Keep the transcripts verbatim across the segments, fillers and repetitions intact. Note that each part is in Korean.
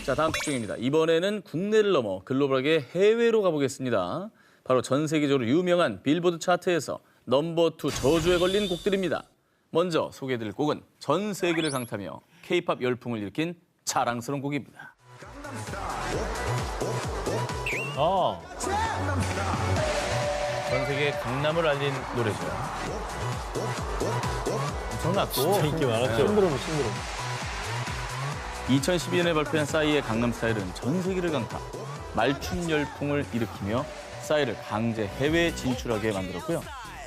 자, 다음 특종입니다. 이번에는 국내를 넘어 글로벌하게 해외로 가보겠습니다. 바로 전 세계적으로 유명한 빌보드 차트에서 넘버 투 저주에 걸린 곡들입니다. 먼저 소개해드릴 곡은 전 세계를 강타며 케이팝 열풍을 일으킨 자랑스러운 곡입니다. 어. 전 세계 강남을 알린 노래죠. 엄청났고. 진짜 인기 많았죠. 신드롬, 신드롬. 이천십이 년에 발표한 싸이의 강남스타일은 전 세계를 강타, 말춤 열풍을 일으키며 싸이를 강제 해외 진출하게 만들었고요.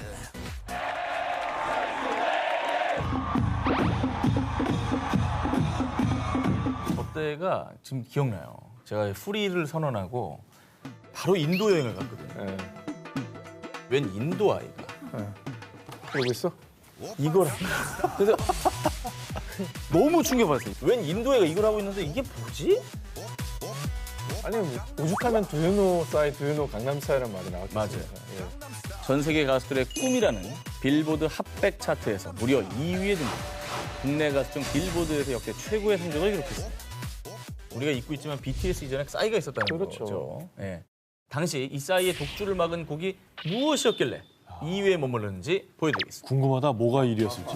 그때가 지금 기억나요. 제가 프리를 선언하고 바로 인도 여행을 갔거든요. 네. 웬 인도 아이가 그러고 있어? 이걸 하고 있어. 그래서 너무 충격받았어요. 웬 인도 애가 이걸 하고 있는데 이게 뭐지? 아니, 뭐, 오죽하면 두유노 싸이, 두유노 강남 스타일이라는 말이 나왔겠습니까? 맞아요. 예. 전 세계 가수들의 꿈이라는 빌보드 핫백 차트에서 무려 이 위에 등극. 국내 가수 중 빌보드에서 역대 최고의 성적을 기록했습니다. 우리가 잊고 있지만 비티에스 이전에 싸이가 있었다는 그렇죠. 거죠. 예. 당시 이 싸이의 독주를 막은 곡이 무엇이었길래 이 위에 머물렀는지 보여드리겠습니다. 궁금하다. 뭐가 일 위였을지.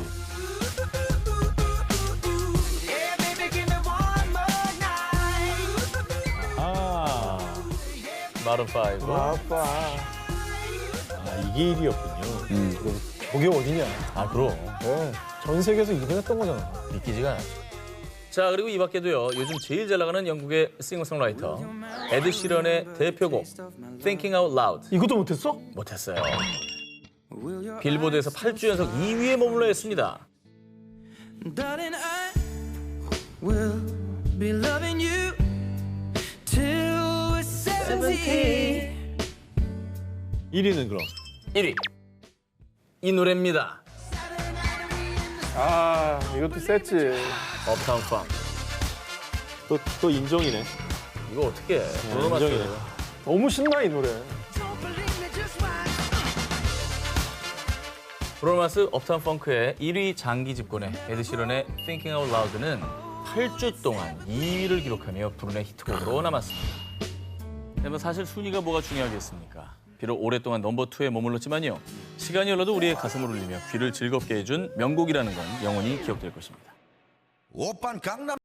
아, 마룬 파이브. 아빠. 아 이게 일 위였군요. 음. 저게 어디냐? 아, 그럼. 네. 전 세계에서 일 위 했던 거잖아. 믿기지가 않죠. 자, 그리고 이 밖에도요. 요즘 제일 잘 나가는 영국의 싱어송라이터 에드 시런의 대표곡 Thinking Out Loud 이것도 못했어? 못했어요. 빌보드에서 팔 주 연속 이 위에 머물러 있습니다. Darling, I will be loving you till we're seventy. 일 위는 그럼. 일 위. 이 노래입니다. 아, 이것도 셌지. 업타운 펑크. 또, 또 인정이네. 이거 어떻게 해? 브루노 인정이네. 마스. 너무 신나, 이 노래. Don't believe me, just watch. 브루노 마스 업타운 펑크의 일 위 장기 집권에 에드 시런의 Thinking Out Loud는 팔 주 동안 이 위를 기록하며 불운의 히트곡으로 남았습니다. 근데 사실 순위가 뭐가 중요하겠습니까? 비록 오랫동안 넘버 투에 머물렀지만요. 시간이 흘러도 우리의 가슴을 울리며 귀를 즐겁게 해준 명곡이라는 건 영원히 기억될 것입니다. 오빤 강남